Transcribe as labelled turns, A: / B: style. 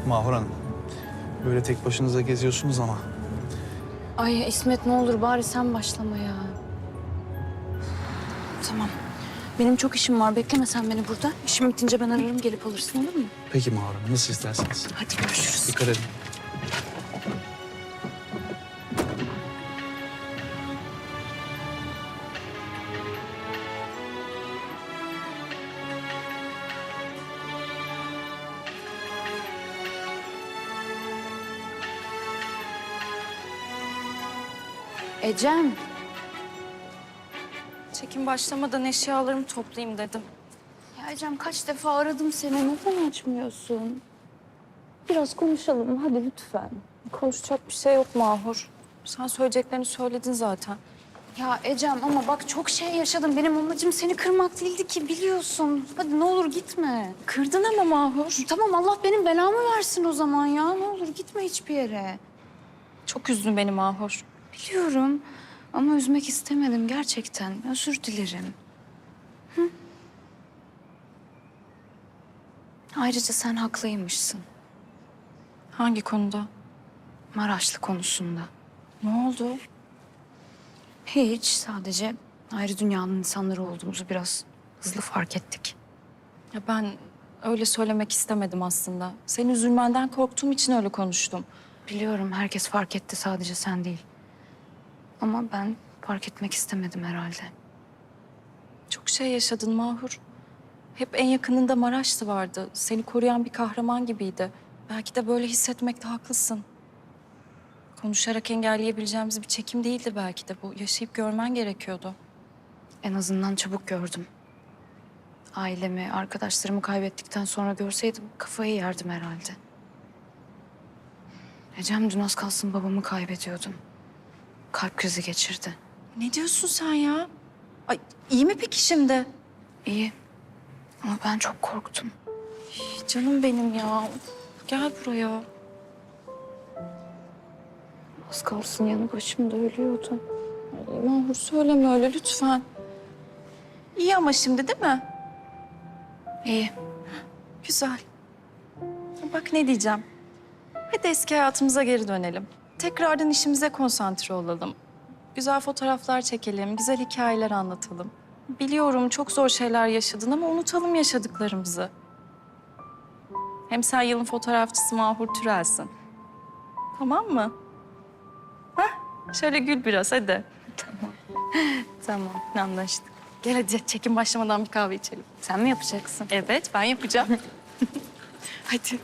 A: Mahur Hanım, böyle tek başınıza geziyorsunuz ama.
B: Ay İsmet ne olur bari sen başlama ya. Tamam. Benim çok işim var. Bekleme sen beni burada. İşim bitince ben ararım gelip alırsın olur mu?
A: Peki Mahur Hanım, nasıl isterseniz.
B: Hadi görüşürüz.
A: Dikkat edin.
B: Ecem.
C: Çekim başlamadan eşyalarımı toplayayım dedim.
B: Ya Ecem kaç defa aradım seni. Neden açmıyorsun? Biraz konuşalım hadi lütfen.
C: Konuşacak bir şey yok Mahur. Sen söyleyeceklerini söyledin zaten.
B: Ya Ecem ama bak çok şey yaşadım. Benim amacım seni kırmak değildi ki biliyorsun. Hadi ne olur gitme.
C: Kırdın ama Mahur.
B: Tamam Allah benim belamı versin o zaman ya. Ne olur gitme hiçbir yere.
C: Çok üzdün beni Mahur.
B: Biliyorum ama üzmek istemedim gerçekten. Özür dilerim. Hı? Ayrıca sen haklıymışsın.
C: Hangi konuda?
B: Maraşlı konusunda.
C: Ne oldu?
B: Hiç sadece ayrı dünyanın insanları olduğumuzu biraz hızlı fark ettik.
C: Ya ben öyle söylemek istemedim aslında. Senin üzülmenden korktuğum için öyle konuştum.
B: Biliyorum herkes fark etti sadece sen değil. Ama ben fark etmek istemedim herhalde.
C: Çok şey yaşadın Mahur. Hep en yakınında Maraşlı vardı. Seni koruyan bir kahraman gibiydi. Belki de böyle hissetmekte haklısın. Konuşarak engelleyebileceğimiz bir çekim değildi belki de bu. Yaşayıp görmen gerekiyordu.
B: En azından çabuk gördüm. Ailemi, arkadaşlarımı kaybettikten sonra görseydim kafayı yerdim herhalde. Ecem dün az kalsın babamı kaybediyordum. Kalp krizi geçirdi.
C: Ne diyorsun sen ya? Ay iyi mi peki şimdi?
B: İyi ama ben çok korktum.
C: Canım benim ya. Gel buraya.
B: Az kalsın yanı başımda ölüyordu.
C: Ay, Mahur söyleme öyle lütfen. İyi ama şimdi değil mi?
B: İyi.
C: Güzel. Bak ne diyeceğim. Hadi eski hayatımıza geri dönelim. Tekrardan işimize konsantre olalım. Güzel fotoğraflar çekelim, güzel hikayeler anlatalım. Biliyorum çok zor şeyler yaşadın ama unutalım yaşadıklarımızı. Hem sen yılın fotoğrafçısı Mahur Türel'sin. Tamam mı? Hah, şöyle gül biraz hadi.
B: Tamam.
C: Anlaştık. Gel hadi çekim başlamadan bir kahve içelim.
B: Sen mi yapacaksın?
C: Evet, ben yapacağım. Hadi.